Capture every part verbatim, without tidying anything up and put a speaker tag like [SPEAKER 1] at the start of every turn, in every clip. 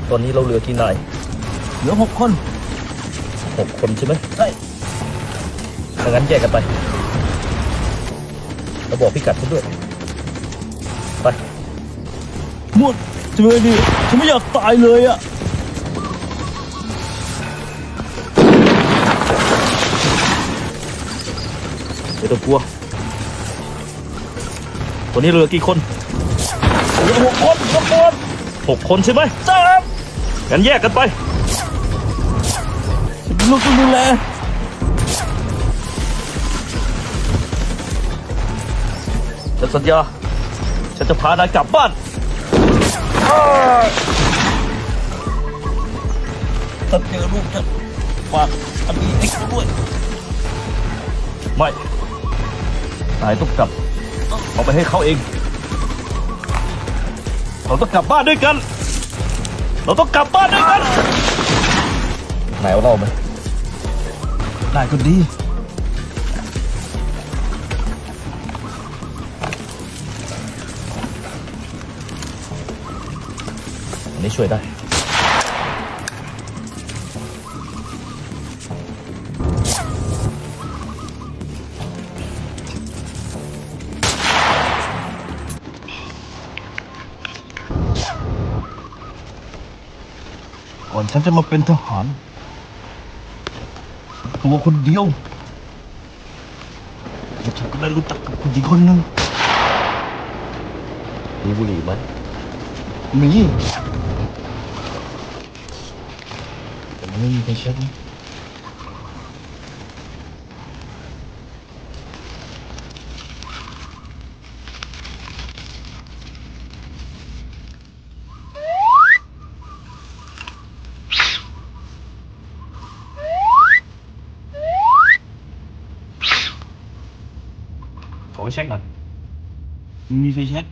[SPEAKER 1] ตอนนี้เราเหลือกี่นาย
[SPEAKER 2] เหลือหกคน
[SPEAKER 1] หกคนใช่ไหม
[SPEAKER 2] ใช่
[SPEAKER 1] ถ้างั้นแยกกันไปแล้วบอกพิกัดฉันด้วยไป
[SPEAKER 2] หมดจะเป็นไงดีฉันไม่อยากตายเลยอะ
[SPEAKER 1] ไม่ต้องกลัววันนี้เหลือกี่คน
[SPEAKER 2] เหลือหกคนหกคน
[SPEAKER 1] หกคนใช่ไหม
[SPEAKER 2] ใช่ครับ
[SPEAKER 1] งั้นแยกกันไป
[SPEAKER 2] ฉันเป็นลูกต้องดูแล
[SPEAKER 1] ฉันสัญญาฉันจะพานายกลับบ้าน
[SPEAKER 2] ถ้าเจอลูกฉันฝากอันนี้ให้เขาด้วย
[SPEAKER 1] ไม่นายต้องกลับเอาไปให้เขาเองเราต้องกลับบ้านด้วยกันเราต้องกลับบ้านด้วยกันนายเอาเราไหม
[SPEAKER 2] ได้ก็ดี
[SPEAKER 1] อันนี้ช่วยได้
[SPEAKER 2] ก่อนฉันจะมาเป็นทหารตัวคนเดียวฉันก็ได้รู้จักกับผู้หญิงคนหนึ่ง
[SPEAKER 1] มีบุหรี่ไหม
[SPEAKER 2] มีแต่ไม่มีใครเช็ดนะ
[SPEAKER 1] ขอเช็คหน่อย
[SPEAKER 2] มีไฟแช็ก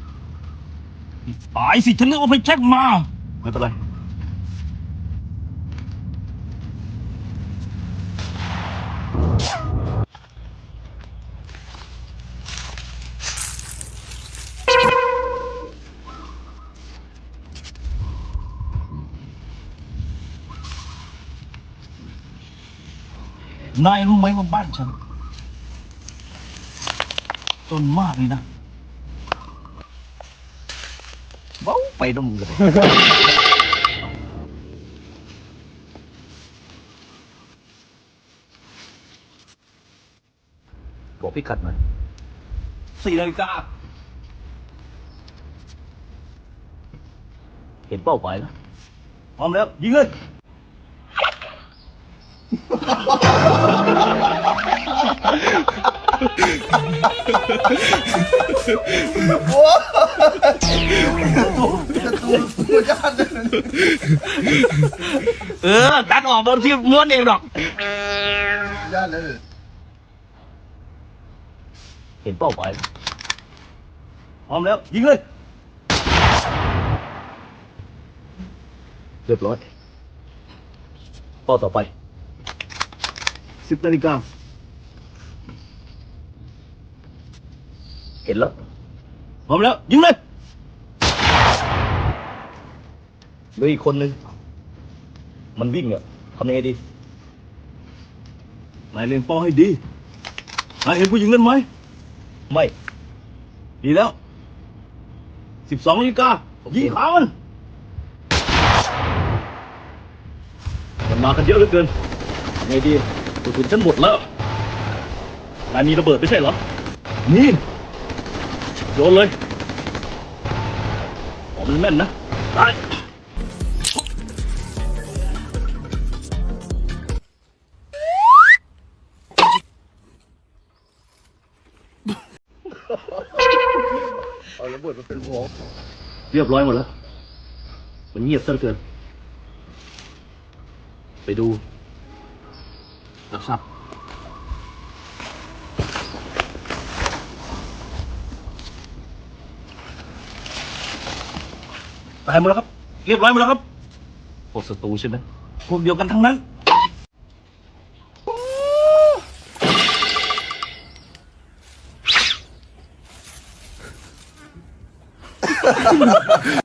[SPEAKER 2] ตายสิฉันนึกว่าไฟแช็กมา
[SPEAKER 1] ไม่เป็นไร
[SPEAKER 2] นายรู้ไหมว่าบ้านฉันจนมากเลยนะ
[SPEAKER 1] เบ้าไปดมเลยบอกพิกัดหน่อย
[SPEAKER 2] สี่นาฬิกา
[SPEAKER 1] เห็นเป้าหมายแล้ว
[SPEAKER 2] พร้อมแล้วยิงเลยโอ้เออตัดออกบนที่ม้วนเองหรอกย่าเลย
[SPEAKER 1] เห็นเป้าหมาย
[SPEAKER 2] พร้อมแล้วยิงเลย
[SPEAKER 1] เรียบร้อยเป้าต่อไป
[SPEAKER 2] สิบนาฬิกา
[SPEAKER 1] เห็นแล้ว
[SPEAKER 2] พร้อมแล้วยิงเลย
[SPEAKER 1] เหลืออีกคนนึงมันวิ่งอ่ะทำยังไงดี
[SPEAKER 2] นายเล็งเป้าให้ดีนายเห็นผู้หญิงนั้นไหม
[SPEAKER 1] ไม่
[SPEAKER 2] ดีแล้วสิบสองนาฬิกายิงขามัน
[SPEAKER 1] มันมากันเยอะเหลือเกินทำไงดีกระสุนฉันหมดแล้วนายมีระเบิดไม่ใช่เหรอ
[SPEAKER 2] นี่
[SPEAKER 1] โยนเลยผมมันแม่นนะได้เอาระเบิดมาเป็นหัวเรียบร้อยหมดแล้วมันเงียบซะเหลือเกินไปดูรับทราบ
[SPEAKER 2] ตายหมดแล้วครับเรียบร้อยหมดแล้วครับ
[SPEAKER 1] พวกศัตรูใช่ไหม
[SPEAKER 2] พวกเดียวกันทั้งนั้น